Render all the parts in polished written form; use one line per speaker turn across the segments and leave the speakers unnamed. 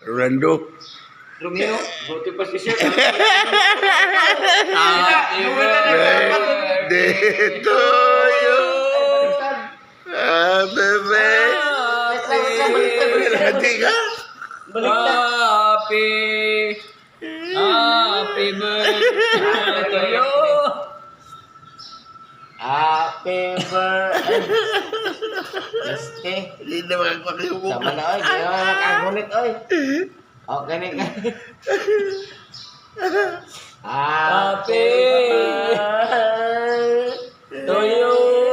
Rolando.
Romeo, buti pa si Sir.
Birthday to you. Happy birthday. Hati ka?
Happy birthday to you. Happy birthday.
Hindi na makakakibok.
Sama na oy, di na nakagunit oy. Okay na ka. Happy to you.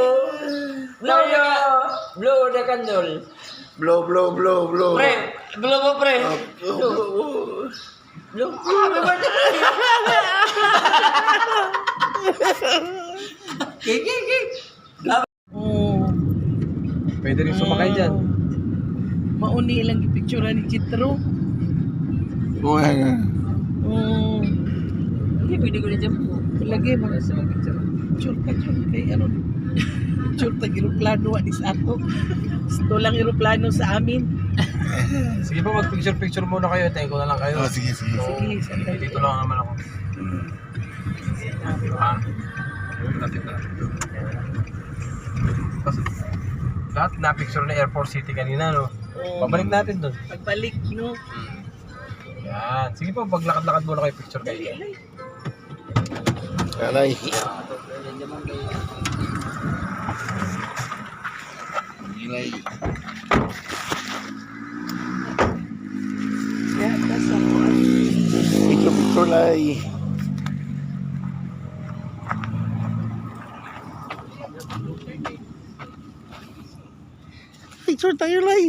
Blow the candle.
Blow.
Pre, blow mo pre. Blow. Happy birthday. Kiki.
Pwede rin sumakay dyan.
Mauni lang i-picture ni Jitro.
Oo nga.
Hindi pwede ko na dyan po. Lagi mga sa picture. Picture kay ano. Picture tag aeroplano ni sa ato. Ito lang aeroplano sa amin.
Sige po, mag-picture muna kayo. Tayo ko na lang kayo.
Sige.
Sige, sandali.
Dito lang naman ako. Tapos, lahat na-picture na Airport City kanina, no? Babalik natin doon.
Pagbalik, no?
Yan. Sige po, paglakad-lakad muna kayo, picture kayo.
Alay.
Ya, tas ako.
Picture lay. Picture tayo lay.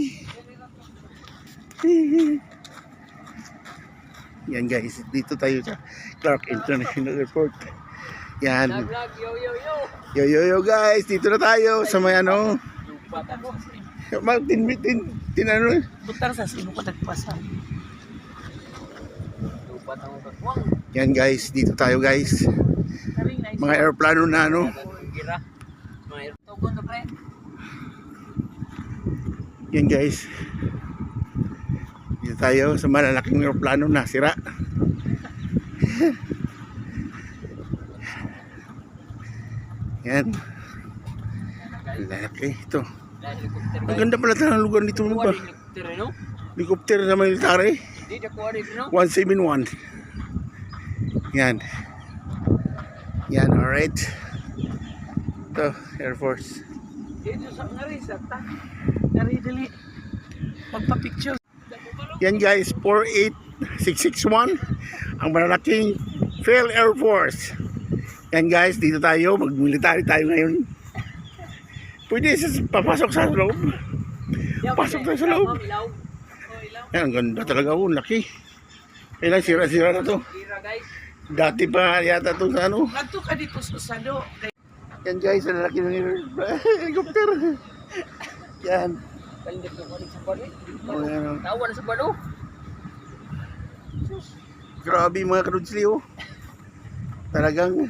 Yan guys, dito tayo sa Clark International Airport. Yan. Yo guys, dito na tayo sa may ano. Martin ano?
Butar sa sino ko nagpasa.
Yan guys, dito tayo guys. Mga aeroplano na ano. Yan guys. Dito tayo sa malalaking aeroplano na sira. Yan. Lalaki ito. Ang ganda pala ng lugar dito mo ba? Helicopter na military. 171. Yan. Yan, alright. Ito, Air Force.
Dito sa Narisa, dali. Magpa-picture.
Yan guys, 48661. Ang malalaking Phil Air Force. Yan guys, dito tayo. Mag-military tayo ngayon. Pwede papasok sa loob. Pasok tayo sa loob. Yan, ang ganda talaga. Laki. Kailan sira-sira na to. Dati pa yata ito sa ano.
Nagto ka dito sa Sado.
Yan guys, ang laki ng helicopter. Yan. Oh, yan.
Tawa na sa balo.
Grabe mga karudsli oh. Talagang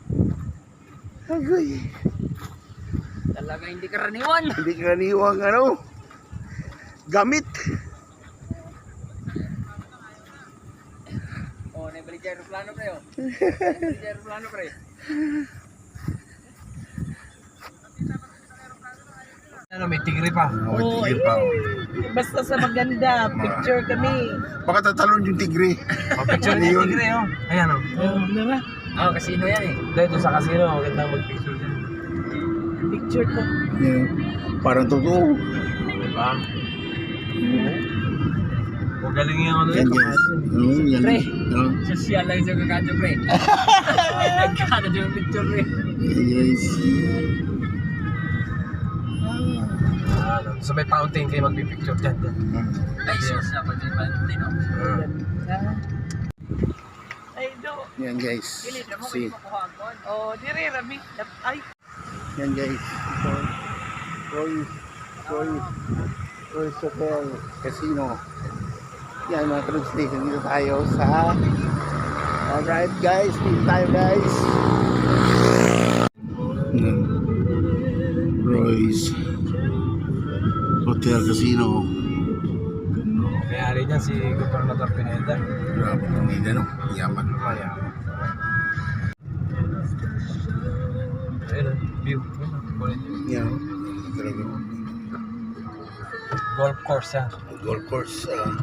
agoy.
Talaga hindi karaniwan.
Hindi karaniwang ano. Gamit.
Oh, naibalik dyan aeroplano pre. Naibalik dyan aeroplano pre.
Ano, may tigre pa.
Oh, tigre pa.
Basta sa maganda, picture kami.
Baka tatalon yung tigre.
Picture ni
Yun.
tigre, oh. Ayan, oh.
Nara,
Kasino yan eh.
Dito sa casino, magandang mag-picture dyan.
picture ko.
Yan. Parang totoo.
Diba? O galing yung ano
Yan
yun.
guys. Yan.
Pre.
Oh,
Social lang siya kakadyo pre. Nagkakadyo yung picture pre.
yan guys.
So may fountain kayo mag-picture dyan.
Ay, sus. Dapat yung Valentino.
Ay, do.
Yan guys. See.
Oh, dire rami. Ay,
Yan guys. Ito. Roy's Hotel Casino. Yan mga karudsli. Dito tayo sa alright guys. Dito tayo guys. Roy's Hotel Casino.
May-ari niyan si Gobernador Pineda.
Grabe, hindi no, yaman.
Kaya. Ayun, view.
Yan, talaga.
Golf course yan.
Golf course,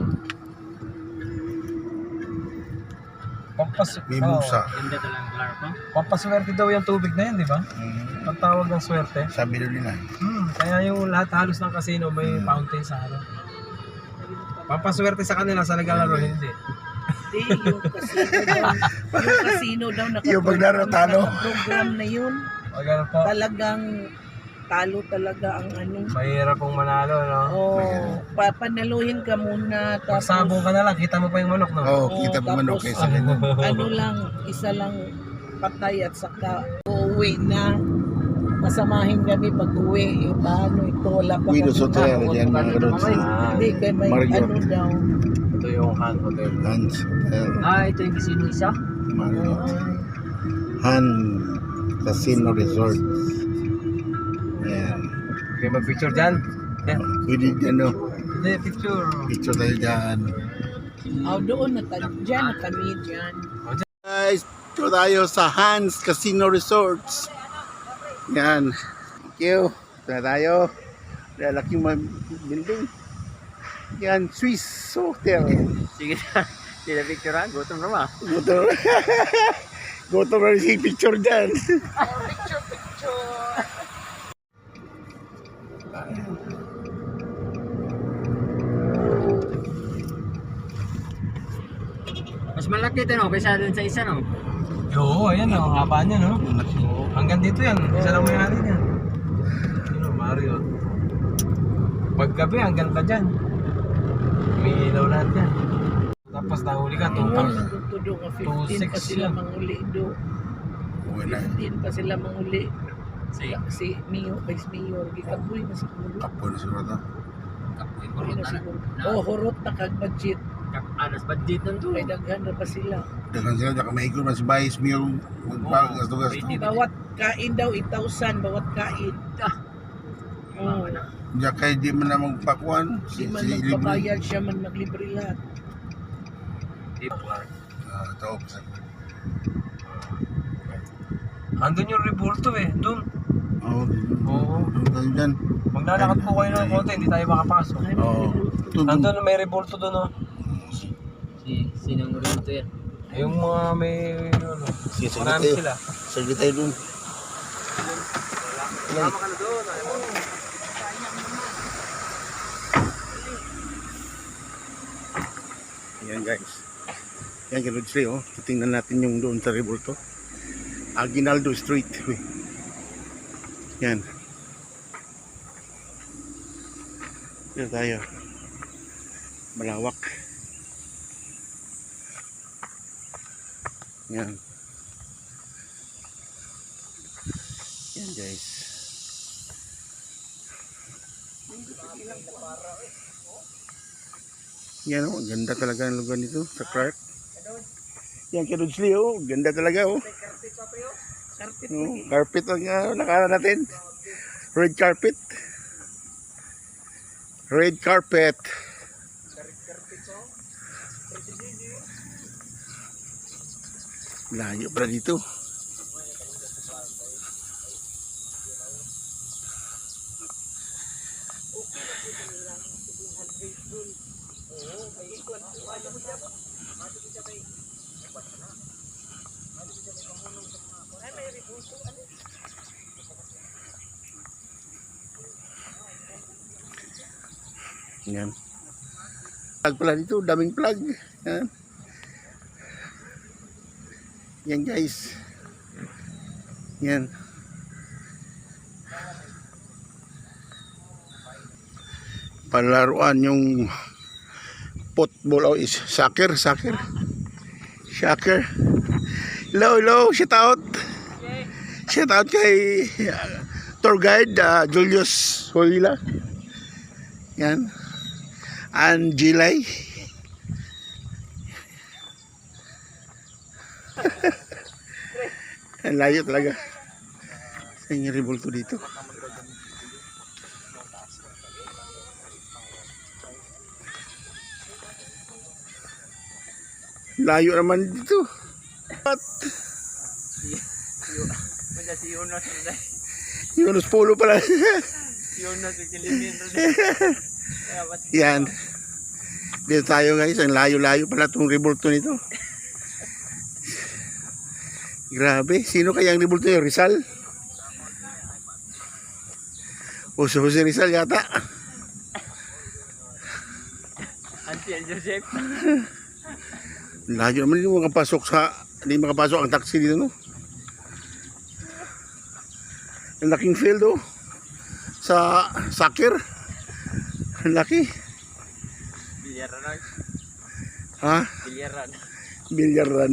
may
Oo.
musa.
Ganda talagang klaro pa.
Pampaswerte daw yung tubig na yan, di ba? Ang tawag ng swerte.
Sabi doon nila.
Kaya yung lahat halos ng casino may fountain sa harap. Pampaswerte sa kanila sa naglalaro, hindi.
Hindi, yung casino daw
Yung paglaro, talo.
program na yun.
O gano'n po,
Talagang talo talaga ang ano.
mahirap pong manalo, no?
Oh, papanaluhin ka muna tapos
Pagsabong ka na lang, kita mo pa yung manok, no?
Oo, kita pa manok
tapos,
kaysa ganyan.
ano lang, isa lang patay at saka uuwi na. Masamahin kami pag uwi. Paano ito? Wala pa
Guido
kami
Soter,
makakot.
yan mga karoon.
Hindi, kay may
Mario.
ano daw.
Ito yung Han Hotel.
Hans,
Ito yung casino isa.
Mario. Han Casino Resort. Yan.
Okay, mag-picture dyan. Yeah.
Pwede ano,
Hindi, picture.
picture tayo dyan.
Doon na dyan na kami dyan.
Guys, ito tayo sa Hans Casino Resorts. Yan. Thank you. Ito na tayo. Lalaking building. Yan, Swiss Hotel.
Sige na. Hindi na picture ha. Gutom na ba?
Goto. Goto na rin si picture dyan.
Mas malaki ito no, kaysa dun sa isa no.
Oo, ayan o. Ang haba niya, no? Hanggang dito yan. Isa lang may-ari niya. Ano, Mario. Paggabi, hanggang pa dyan. May ilaw lahat yan. Tapos nahuli ka,
Ingon,
2,000.
nandito doon ka 15 pa
2,600
sila
yan.
manguli doon.
Uwi na.
15 pa sila manguli.
Sige.
Si Mio, Vice Mayor, gikaboy na siguro.
Apo na siguro ito.
Kapoy
Kaboy
kurot
na
na.
siguro. Oh, hurot na kag budget.
Anas budget nun to.
May daghan na pa sila.
Dagan sila, daka maikot na si Bayis Mio. Magpagas to gas.
Bawat kain daw 8,000 bawat kain. Oh,
Diya kay di man na magpakuan.
di
Si
man
libre.
magpabayad siya man maglibre lahat.
Ito.
Andun yung revolto eh. Doon.
Oo.
Oo.
Doon tayo dyan.
Maglalakad po kayo ng konti, hindi tayo makapasok.
Ay,
Oo. Doon.
Andun may revolto doon, oh.
Sinong rin to yan?
Yung mga may, ano,
Sige, sige
marami
tayo.
sila.
Sige tayo doon.
Tama ka na doon. Ayaw mo.
Yan guys. Yan ganun sila oh. Tingnan natin yung doon sa Revolto. Aguinaldo Street. Uy. Yan. Yan tayo. Malawak. Yan. Yan guys. Yan oh, ganda talaga ang lugar nito sa Clark. Yan kay Rodsley oh, ganda talaga oh.
Carpet
Oh, carpet ang nakala natin. Red carpet. Red carpet. Layo pala dito. Yan. Plug pala dito, daming plug. Yan. Yan guys. Yan. Palaruan yung football o is soccer. Hello, shout out. Shout out kay tour guide Julius Holila. Yan. And Jilay. Ang layo talaga. Sa yung revolto dito. Layo naman dito. At
Wala si Yunus.
Yunus Polo pala.
Yunus, ikilimin.
Yan. Dito tayo guys. Ang layo-layo pala itong rebulto nito. Grabe. Sino kaya ang rebulto nyo? Rizal? O si Jose Rizal yata.
Auntie Joseph.
Layo naman, hindi makapasok ang taxi dito, no? Ang laking field, oh. Sa soccer. Ang laki.
Bilyaran.
Ha?
Bilyaran.
Bilyaran.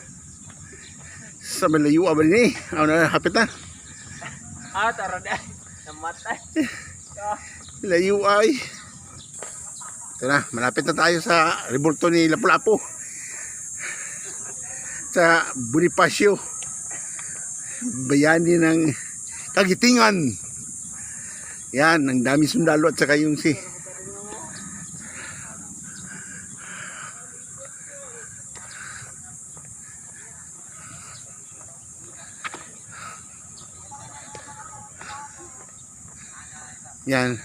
Sa malayo, abal ni. Ano na, hapit na.
Tara na. Namatay.
Layo ay. Ito na, malapit na tayo sa rebulto ni Lapu-Lapu. Sa Bonifacio. Bayani ng Kagitingan. Yan, ang dami sundalo at saka yung si yan.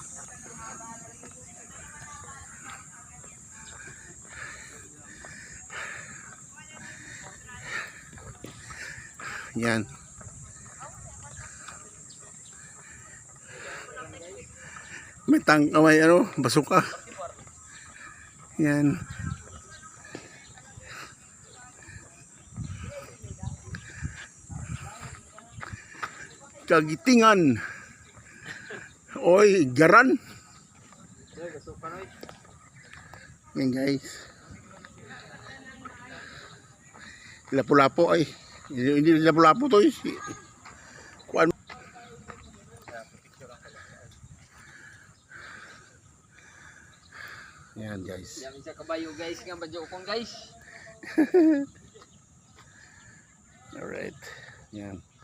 Yan. May ano, basuka. Yan. Kagitingan. Oy, garan. Yan guys. Lapu-Lapu ay. Hindi Lapu-Lapu to eh. Kuan. Yan guys.
Yan sa kabayo guys. Nga badyo kong guys.
Alright. Yan.